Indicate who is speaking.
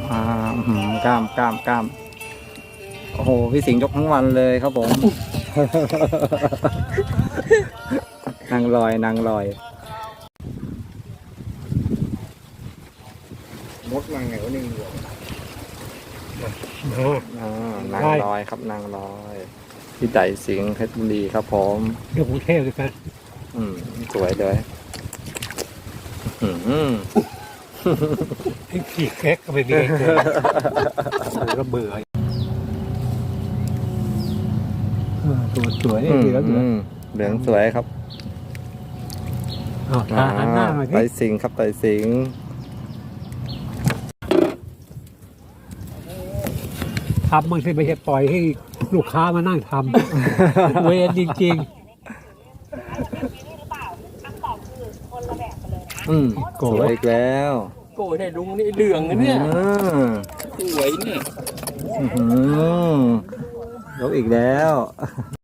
Speaker 1: กล้ามกล้ามกล้ามโอ้โหพี่สิงห์ยกทั้งวันเลยครับผมนางลอยนางลอยมดนางไงวะนี่นางลอยครับนางลอยพี่ไต่สิงห์เพชรบุรีครับผม
Speaker 2: เดี๋ยวกรุงเทพเลยกัน
Speaker 1: สวยเลย
Speaker 2: ขี่แก๊กก็ไม่มีเกินก็เบื่อตัวสวยเหลือง
Speaker 1: เหลืองสวยครับ
Speaker 2: หันหน้ามาที่
Speaker 1: ไต่สิงห์ครับไต่สิงห์
Speaker 2: ทำมันไม่ใช่ปล่อยให้ลูกค้ามานั่งทำเวรจริง
Speaker 1: โกรธอีกแล้ว
Speaker 3: โกรธให้ลุงนี่เหลืองนะเนี่ยสวยเนี่ย
Speaker 1: ยกอีกแล้ว